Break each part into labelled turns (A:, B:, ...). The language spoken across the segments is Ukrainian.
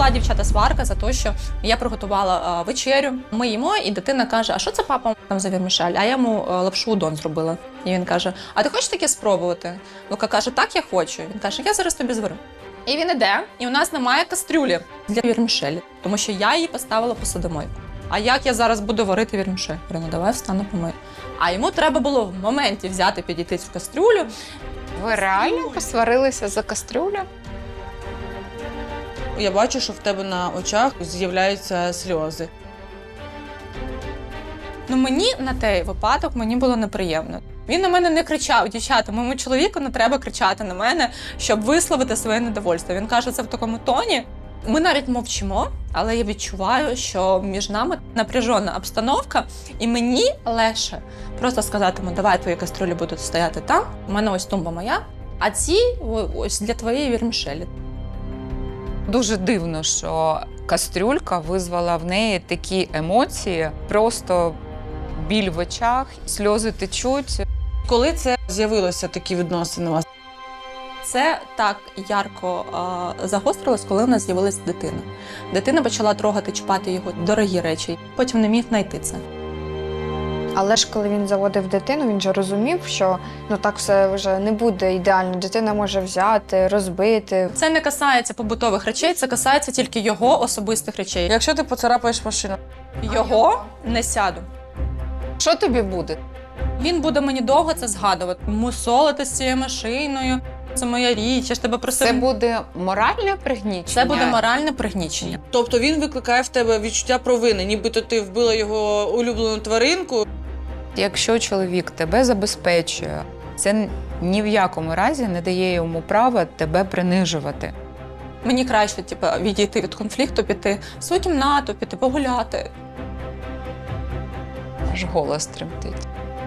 A: була, дівчата, сварка за те, що я приготувала вечерю. Ми їмо, і дитина каже, а що це папа там за вірмішель? А я йому лапшу удон зробила. І він каже, а ти хочеш таке спробувати? Лука каже, так, я хочу. Він каже, я зараз тобі зварю. І він іде, і у нас немає кастрюлі для вірмішелі, тому що я її поставила посудомойку. А як я зараз буду варити вірмішель? Я говорю, ну давай встану помию. А йому треба було в моменті взяти, підійти цю кастрюлю.
B: Ви реально посварилися за кастрюлю?
C: Я бачу, що в тебе на очах з'являються сльози.
A: Ну мені на той випадок мені було неприємно. Він на мене не кричав, дівчата, моєму чоловіку не треба кричати на мене, щоб висловити своє недовольство. Він каже це в такому тоні. Ми навіть мовчимо, але я відчуваю, що між нами напряжена обстановка, і мені легше просто сказати, давай твої каструлі будуть стояти там, у мене ось тумба моя, а ці ось для твоєї вірмішелі.
B: Дуже дивно, що кастрюлька визвала в неї такі емоції, просто біль в очах, сльози течуть.
C: Коли це з'явилося, такі відносини у вас?
A: Це так ярко загострилось, коли у нас з'явилася дитина. Дитина почала трогати, чіпати його дорогі речі, потім не міг знайти це.
D: Але ж коли він заводив дитину, він же розумів, що так все вже не буде ідеально. Дитина може взяти, розбити.
A: Це не касається побутових речей, це касається тільки його особистих речей.
C: Якщо ти поцарапаєш машину?
A: Його не сяду.
B: Що тобі буде?
A: Він буде мені довго це згадувати. Мусолити з цією машиною, це моя річ, я ж тебе просив.
B: Це буде моральне пригнічення?
A: Це буде моральне пригнічення.
C: Тобто він викликає в тебе відчуття провини, нібито ти вбила його улюблену тваринку.
B: Якщо чоловік тебе забезпечує, це ні в якому разі не дає йому права тебе принижувати.
A: Мені краще відійти від конфлікту, піти в свою кімнату, піти погуляти.
B: Аж голос тремтить.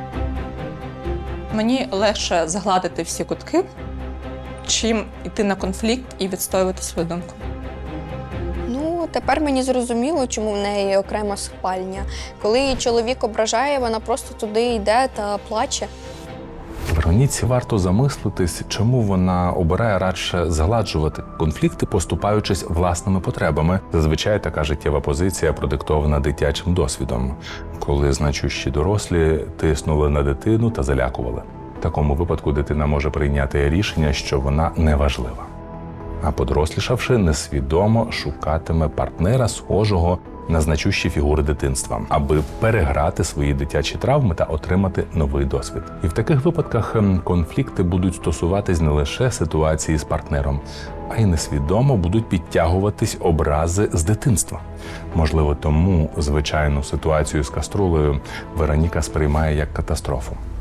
A: Мені легше загладити всі кутки, чим йти на конфлікт і відстоювати свою думку.
D: Тепер мені зрозуміло, чому в неї окрема спальня. Коли її чоловік ображає, вона просто туди йде та плаче.
E: Вероніці варто замислитись, чому вона обирає радше згладжувати конфлікти, поступаючись власними потребами. Зазвичай така життєва позиція продиктована дитячим досвідом, коли значущі дорослі тиснули на дитину та залякували. В такому випадку дитина може прийняти рішення, що вона неважлива. А подорослішавши, несвідомо шукатиме партнера, схожого на значущі фігури дитинства, аби переграти свої дитячі травми та отримати новий досвід. І в таких випадках конфлікти будуть стосуватись не лише ситуації з партнером, а й несвідомо будуть підтягуватись образи з дитинства. Можливо, тому звичайну ситуацію з каструлею Вероніка сприймає як катастрофу.